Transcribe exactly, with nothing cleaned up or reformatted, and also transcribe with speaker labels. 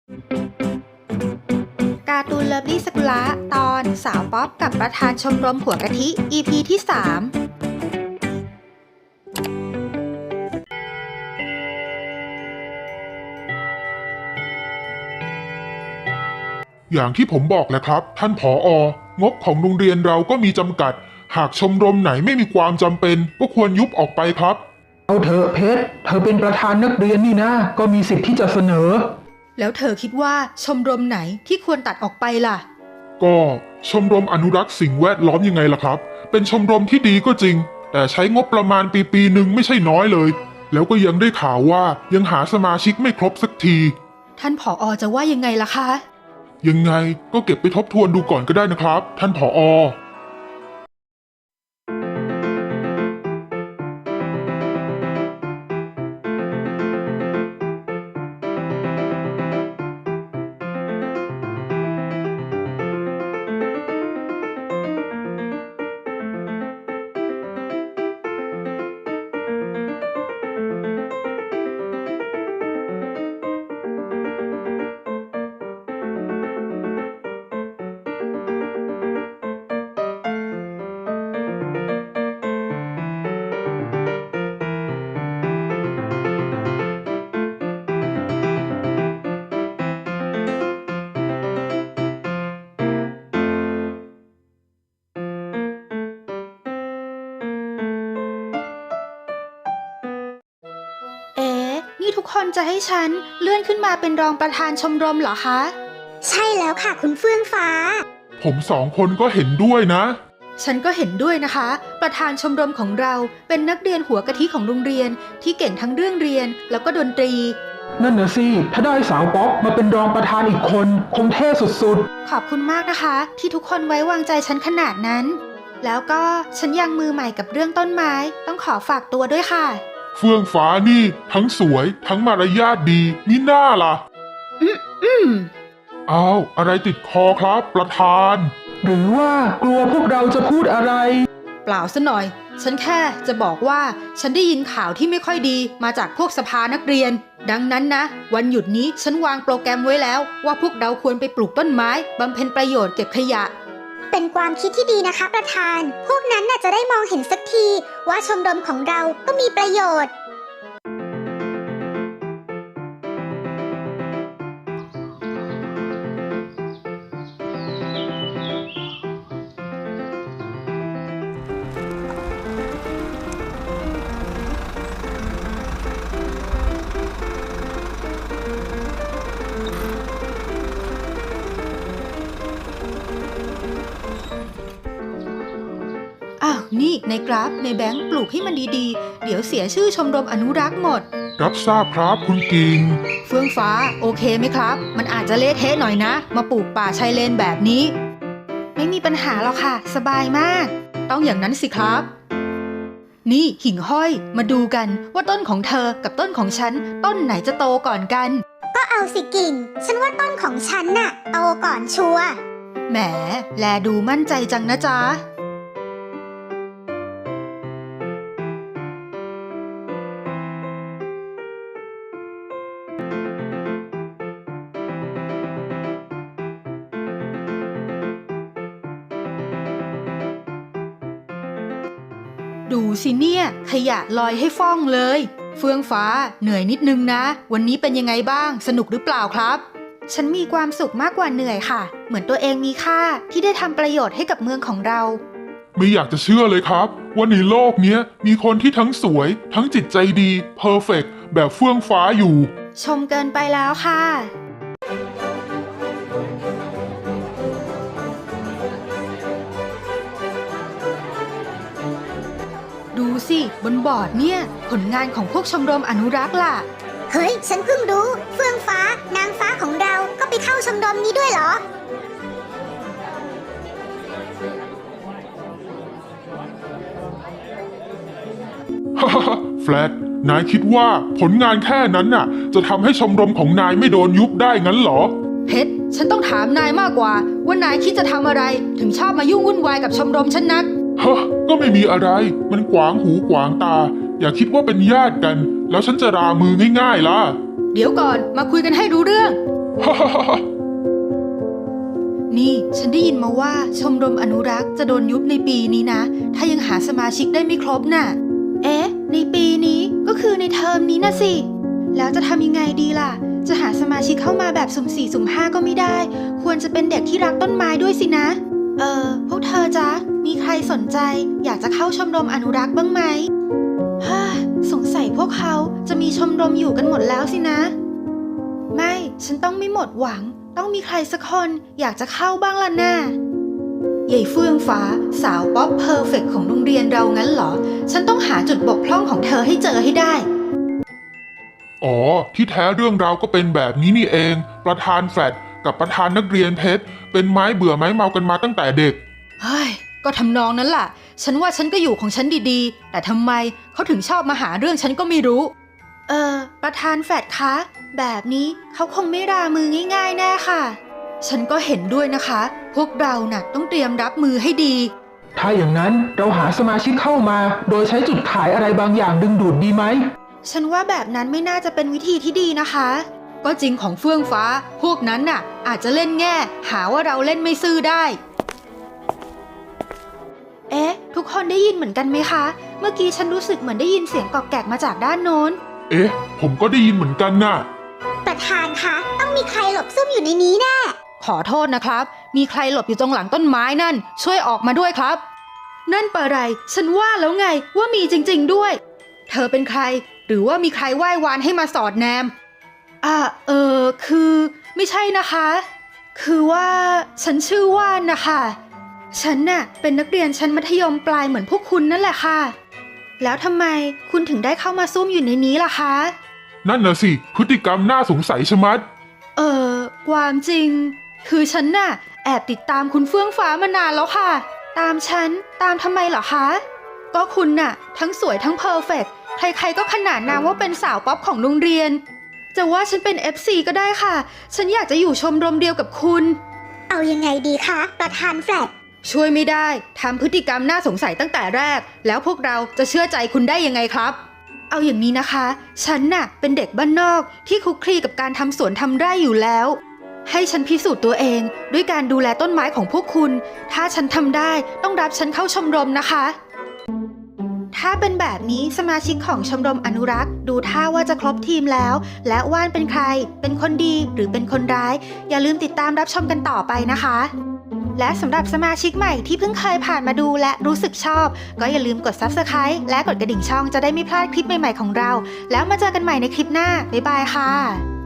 Speaker 1: การ์ตูนเลิฟลี่สกุละตอนสาวป๊อปกับประธานชมรมหัวกะทิ อี พี ที่สาม
Speaker 2: อย่างที่ผมบอกแหละครับท่านผอองบของโรงเรียนเราก็มีจำกัดหากชมรมไหนไม่มีความจำเป็นก็ควรยุบออกไปครับ
Speaker 3: เอาเถอะเพชรเธอเป็นประธานนักเรียนนี่นะก็มีสิทธิ์ที่จะเสนอ
Speaker 1: แล้วเธอคิดว่าชมรมไหนที่ควรตัดออกไปล่ะ
Speaker 2: ก็ชมรมอนุรักษ์สิ่งแวดล้อมยังไงล่ะครับเป็นชมรมที่ดีก็จริงแต่ใช้งบประมาณปีปีหนึ่งไม่ใช่น้อยเลยแล้วก็ยังได้ข่าวว่ายังหาสมาชิกไม่ครบสักที
Speaker 1: ท่านผอจะว่ายังไงล่ะคะ
Speaker 2: ยังไงก็เก็บไปทบทวนดูก่อนก็ได้นะครับท่านผอ
Speaker 1: เอ๊ะนี่ทุกคนจะให้ฉันเลื่อนขึ้นมาเป็นรองประธานชมรมเหรอคะ
Speaker 4: ใช่แล้วค่ะคุณเฟื่องฟ้า
Speaker 2: ผมสองคนก็เห็นด้วยนะ
Speaker 1: ฉันก็เห็นด้วยนะคะประธานชมรมของเราเป็นนักเรียนหัวกะทิของโรงเรียนที่เก่งทั้งเรื่องเรียนแล้วก็ดนตรี
Speaker 3: นั่นนะสิถ้าได้สาวป๊อปมาเป็นรองประธานอีกคนคงเท่สุด
Speaker 1: ๆขอบคุณมากนะคะที่ทุกคนไว้วางใจฉันขนาดนั้นแล้วก็ฉันยังมือใหม่กับเรื่องต้นไม้ต้องขอฝากตัวด้วยค่ะ
Speaker 2: เฟื่องฟ้านี่ทั้งสวยทั้งมารยาทดีมิน่าล่ะ
Speaker 1: อืมอืม
Speaker 2: อ้าวอะไรติดคอครับประธาน
Speaker 3: หรือว่ากลัวพวกเราจะพูดอะไร
Speaker 1: เปล่าซะหน่อยฉันแค่จะบอกว่าฉันได้ยินข่าวที่ไม่ค่อยดีมาจากพวกสภานักเรียนดังนั้นนะวันหยุดนี้ฉันวางโปรแกรมไว้แล้วว่าพวกเราควรไปปลูกต้นไม้บำเพ็ญประโยชน์เก็บขยะ
Speaker 4: เป็นความคิดที่ดีนะคะประธานพวกนั้นน่ะจะได้มองเห็นสักทีว่าชมรมของเราก็มีประโยชน์
Speaker 1: อ้าวนี่ในกราฟในแบงค์ปลูกให้มันดีๆเดี๋ยวเสียชื่อชมรมอนุรักษ์หมด
Speaker 2: รับทราบครับคุณกิง
Speaker 1: เฟื่องฟ้าโอเคไหมครับมันอาจจะเละเทะหน่อยนะมาปลูกป่าชายเลนแบบนี้ไม่มีปัญหาหรอกค่ะสบายมากต้องอย่างนั้นสิครับนี่หิ่งห้อยมาดูกันว่าต้นของเธอกับต้นของฉันต้นไหนจะโตก่อนกัน
Speaker 4: ก็เอาสิกิ่งฉันว่าต้นของฉันน่ะโตก่อนชัวร์
Speaker 1: แหมแลดูมั่นใจจังนะจ๊ะดูสิเนี่ยขยะลอยให้ฟ้องเลยเฟื่องฟ้าเหนื่อยนิดนึงนะวันนี้เป็นยังไงบ้างสนุกหรือเปล่าครับฉันมีความสุขมากกว่าเหนื่อยค่ะเหมือนตัวเองมีค่าที่ได้ทำประโยชน์ให้กับเมืองของเรา
Speaker 2: ไม่อยากจะเชื่อเลยครับว่าในโลกนี้มีคนที่ทั้งสวยทั้งจิตใจดีเพอร์เฟกต์แบบเฟื่องฟ้าอยู่
Speaker 1: ชมเกินไปแล้วค่ะดูสิบนบอร์ดเนี่ยผลงานของพวกชมรมอนุรักษ์ล่ะ
Speaker 4: เฮ้ยฉันเพิ่งรู้เฟื่องฟ้านางฟ้าของเราก็ไปเข้าชมรมนี้ด้วยเหรอ
Speaker 2: ฮ่าฮ่าแฟลตนายคิดว่าผลงานแค่นั้นน่ะจะทำให้ชมรมของนายไม่โดนยุบได้งั้นเหรอ
Speaker 1: เพชรฉันต้องถามนายมากกว่าว่านายคิดจะทำอะไรถึงชอบมายุ่งวุ่นวายกับชมรมฉันนัก
Speaker 2: ฮะก็ไม่มีอะไรมันขวางหูขวางตาอย่าคิดว่าเป็นญาติกันแล้วฉันจะรามือง่ายๆล่ะ
Speaker 1: เดี๋ยวก่อนมาคุยกันให้รู้เรื่องนี่ฉันได้ยินมาว่าชมรมอนุรักษ์จะโดนยุบในปีนี้นะ ถ้ายังหาสมาชิกได้ไม่ครบน่ะ เอ๊ะ ในปีนี้ก็คือในเทอมนี้นะสิ แล้วจะทำยังไงดีล่ะ จะหาสมาชิกเข้ามาแบบสุ่มสี่สุ่มห้าก็ไม่ได้ ควรจะเป็นเด็กที่รักต้นไม้ด้วยสินะ เออ พวกเธอจ๊ะ มีใครสนใจอยากจะเข้าชมรมอนุรักษ์บ้างไหมฮ่าสงสัยพวกเขาจะมีชมรมอยู่กันหมดแล้วสินะ ไม่ ฉันต้องไม่หมดหวัง ต้องมีใครสักคนอยากจะเข้าบ้างล่ะน่ายายเฟื่องฟ้าสาวป๊อปเพอร์เฟกต์ของโรงเรียนเรางั้นเหรอ ฉันต้องหาจุดบกพร่องของเธอให้เจอให้ได้
Speaker 2: อ๋อ ที่แท้เรื่องราวก็เป็นแบบนี้นี่เอง ประธานแฟลตกับประธานนักเรียนเพชรเป็นไม้เบื่อไม้เมากันมาตั้งแต่เด็ก
Speaker 1: เฮ้ย ก็ทำนองนั้นล่ะ ฉันว่าฉันก็อยู่ของฉันดีๆ แต่ทำไมเขาถึงชอบมาหาเรื่องฉันก็ไม่รู้ เออ ประธานแฟดคะ แบบนี้เขาคงไม่รามือง่ายๆแน่ค่ะ ฉันก็เห็นด้วยนะคะ พวกเราน่ะต้องเตรียมรับมือให้ดี
Speaker 3: ถ้าอย่างนั้นเราหาสมาชิกเข้ามา โดยใช้จุดขายอะไรบางอย่างดึงดูดดีไหม
Speaker 1: ฉันว่าแบบนั้นไม่น่าจะเป็นวิธีที่ดีนะคะ ก็จริงของเฟื่องฟ้า พวกนั้นน่ะ อาจจะเล่นแง่ หาว่าเราเล่นไม่ซื่อได้ เอ๊ะ ทุกคนได้ยินเหมือนกันไหมคะ เมื่อกี้ฉันรู้สึกเหมือนได้ยินเสียงกอกแกกมาจากด้านโน้น
Speaker 2: เอ๊ะ ผมก็ได้ยินเหมือนกันน่ะ
Speaker 4: ประธานคะ ต้องมีใครหลบซุ่มอยู่ในนี้แน่
Speaker 1: ขอโทษนะครับ มีใครหลบอยู่ตรงหลังต้นไม้นั่น ช่วยออกมาด้วยครับ นั่นปะไร ฉันว่าแล้วไงว่ามีจริงๆด้วย เธอเป็นใคร หรือว่ามีใครไหว้วานให้มาสอดแนม อ่า เออ คือ ไม่ใช่นะคะ คือว่าฉันชื่อว่านนะคะ ฉันน่ะเป็นนักเรียนชั้นมัธยมปลายเหมือนพวกคุณนั่นแหละค่ะ แล้วทำไมคุณถึงได้เข้ามาซุ่มอยู่ในนี้ล่ะคะ
Speaker 2: นั่นน่ะสิ พฤติกรรมน่าสงสัยชะมัด
Speaker 1: เออความจริง คือฉันน่ะแอบติดตามคุณเฟื่องฟ้ามานานแล้วค่ะ ตามฉันตามทำไมเหรอคะ ก็คุณน่ะทั้งสวยทั้งเพอร์เฟกต์ใครๆก็ขนานนามว่าเป็นสาวป๊อปของโรงเรียน จะว่าฉันเป็น เอฟ ซี ก็ได้ค่ะ ฉันอยากจะอยู่ชมรมเดียวกับคุณ
Speaker 4: เอายังไงดีคะ ประธานแฟลต
Speaker 1: ช่วยไม่ได้ทำพฤติกรรมน่าสงสัยตั้งแต่แรก แล้วพวกเราจะเชื่อใจคุณได้ยังไงครับ เอาอย่างนี้นะคะ ฉันน่ะเป็นเด็กบ้านนอกที่คลุกคลีกับการทำสวนทำไร่อยู่แล้ว ให้ฉันพิสูจน์ตัวเองด้วยการดูแลต้นไม้ของพวกคุณ ถ้าฉันทำได้ต้องรับฉันเข้าชมรมนะคะ ถ้าเป็นแบบนี้สมาชิกของชมรมอนุรักษ์ดูท่าว่าจะครบทีมแล้ว และว่านเป็นใคร เป็นคนดีหรือเป็นคนร้าย อย่าลืมติดตามรับชมกันต่อไปนะคะ และสำหรับสมาชิกใหม่ที่เพิ่งเคยผ่านมาดูและรู้สึกชอบ ก็อย่าลืมกด ซับสไครบ์ และกดกระดิ่งช่องจะได้ไม่พลาดคลิปใหม่ๆของเรา แล้วมาเจอกันใหม่ในคลิปหน้า บ๊ายบายค่ะ